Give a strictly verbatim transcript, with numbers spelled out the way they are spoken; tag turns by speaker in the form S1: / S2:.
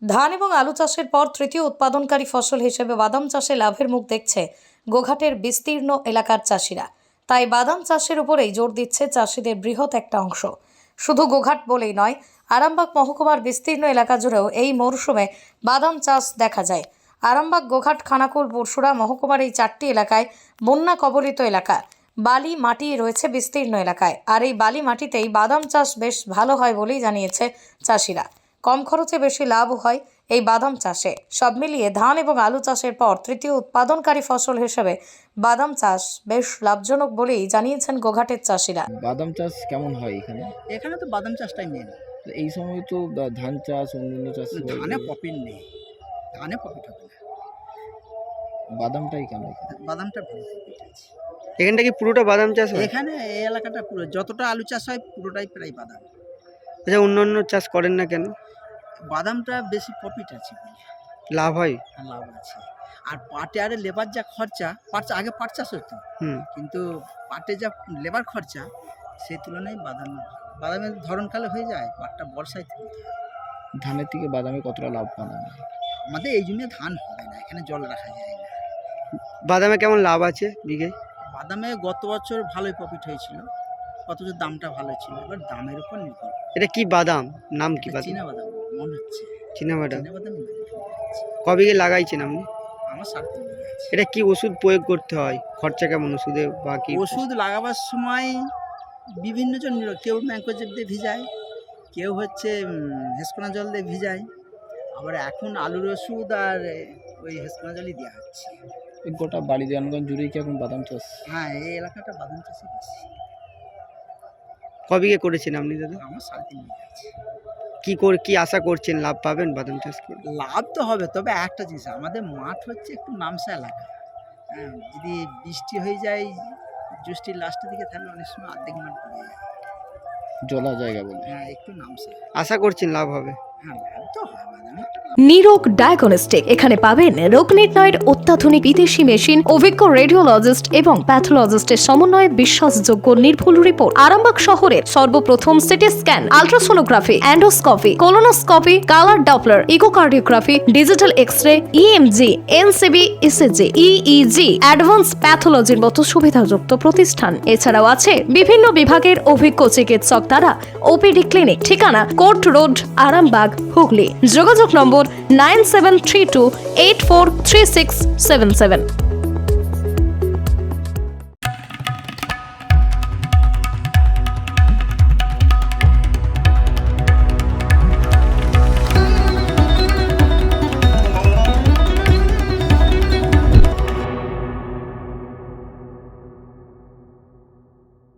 S1: ধান এবং আলু চাষের পর তৃতীয় উৎপাদনকারী ফসল হিসেবে বাদাম চাষে লাভের মুখ দেখছে গোঘাটের বিস্তীর্ণ এলাকার চাষিরা। তাই বাদাম চাষের উপরেই জোর দিচ্ছে চাষিদের বৃহৎ একটা অংশ। শুধু গোঘাট বলেই নয়, আরামবাগ মহকুমার বিস্তীর্ণ এলাকা জুড়েও এই মরশুমে বাদাম চাষ দেখা যায়। আরামবাগ, গোঘাট, খানাকুল, পরশুরা মহকুমার এই চারটি এলাকায় বন্যা কবলিত এলাকা। বালি মাটি রয়েছে বিস্তীর্ণ এলাকায়, আর এই বালি মাটিতেই বাদাম চাষ বেশ ভালো হয় বলেই জানিয়েছে চাষিরা। কম খরচে বেশি লাভ হয় এই বাদাম চাষে। সব মিলিয়ে ধান এবং আলু চাষের পর তৃতীয় উৎপাদনকারী ফসল হিসেবে বাদাম চাষ বেশ লাভজনক বলেই জানিয়েছেন গোঘাটের চাষিরা।
S2: বাদাম চাষ কেমন হয় এখানে?
S3: এখানে তো বাদাম চাষটাই মেন।
S2: তো এই সময় তো বা- ধান চাষ, অন্যান্য চাষ হয়।
S3: ধানে প্রফিট নেই, ধানে প্রফিট হবে না,
S2: বাদামটাই কেন এখানে?
S3: বাদামটা ভালো প্রফিট আছে।
S4: এখানটা কি পুরোটা বাদাম চাষ হয়?
S3: এখানে এই এলাকাটা পুরো যতটা আলু চাষ হয় পুরোটাই প্রায় বাদাম।
S4: আচ্ছা, অন্য অন্য চাষ করেন না কেন?
S3: বাদামটা বেশি প্রফিট আছে বলে
S4: লাভ হয়?
S3: আর লাভ আছে। আর পাটে আরে লেবার যা খরচা, পাট চা- আগে পাট চাষ হতো,
S4: হুম
S3: কিন্তু পাটে যা লেবার খরচা সেই তুলনায় বাদাম ভালো। বাদামের ধরনকালে হয়ে যায়, পাটটা বর্ষায় তুলতে হয়।
S2: ধানের থেকে বাদামে কতটা লাভ পান আপনি?
S3: আমাদের এই জন্য ধান হবে না, এখানে জল রাখা যায় না।
S4: বাদামে কেমন লাভ আছে বিঘে?
S3: বাদামে গত বছর ভালোই প্রফিট হয়েছিল, গত বছর দামটা ভালো ছিল, এবার দামের উপর নির্ভর করে।
S4: এটা কি বাদাম? নাম কি বাদাম?
S3: চীনা বাদাম মনে হচ্ছে,
S4: চীনা বাদাম।
S3: চীনা বাদাম
S4: ক বিঘে লাগাইছেন আপনি?
S3: আমার সাড়ে তিন বিঘা আছে।
S4: এটা কি ওষুধ প্রয়োগ করতে হয়? খরচা কেমন ওষুধে বা কি?
S3: ওষুধ লাগাবার সময় বিভিন্ন জন নিল, কেউ ম্যাঙ্কোজেব দিয়ে ভিজায়, কেউ হচ্ছে হেসকোনা জল দিয়ে ভিজায়, আবার এখন আলুর ওষুধ আর ওই হেসকোনা জলই দেওয়া হচ্ছে।
S2: এই গোটা বালিদানগঞ্জ জুড়েই কি এখন বাদাম চাষ?
S3: হ্যাঁ, এই এলাকাটা বাদাম চাষই বেশি।
S4: ক বিঘে করেছেন আপনি দাদা?
S3: আমার সাড়ে তিন বিঘা আছে।
S4: কি করে কি আশা করছেন লাভ পাবেন বাদাম চাষ করে?
S3: লাভ তো হবে, তবে একটা জিনিস, আমাদের মাঠ হচ্ছে একটু নামসা এলাকা। হ্যাঁ, যদি বৃষ্টি হয়ে যায় জ্যৈষ্ঠীর লাস্টের দিকে, তাহলে অনেক সময় অর্ধেক মাঠ পড়ে যায়।
S2: জলা জায়গা বলে।
S3: হ্যাঁ, একটু নামসা।
S4: আশা করছেন লাভ হবে?
S3: হ্যাঁ, লাভ তো হয়, বাদামে একটা লাভ।
S1: নিরোগ ডায়াগনস্টিক, এখানে পাবেন রোগ নির্ণয়ের অত্যাধুনিক বিদেশি মেশিন, অভিজ্ঞ রেডিওলজিস্ট এবং প্যাথোলজিস্টের সমন্বয়ে বিশ্বাসযোগ্য নির্ভুল রিপোর্ট। আরামবাগ শহরের সর্বপ্রথম CT scan, ultrasonography, endoscopy, colonoscopy, colour doppler, echocardiography, digital X-ray, EMG, NCV, ECG, EEG, advance প্যাথোলজির মতো সুবিধাযুক্ত প্রতিষ্ঠান। এছাড়াও আছে বিভিন্ন বিভাগের অভিজ্ঞ চিকিৎসক দ্বারা ওপিডি ক্লিনিক। ঠিকানা কোর্ট রোড, আরামবাগ, হুগলি। যোগাযোগ number nine seven three two eight four three six seven seven.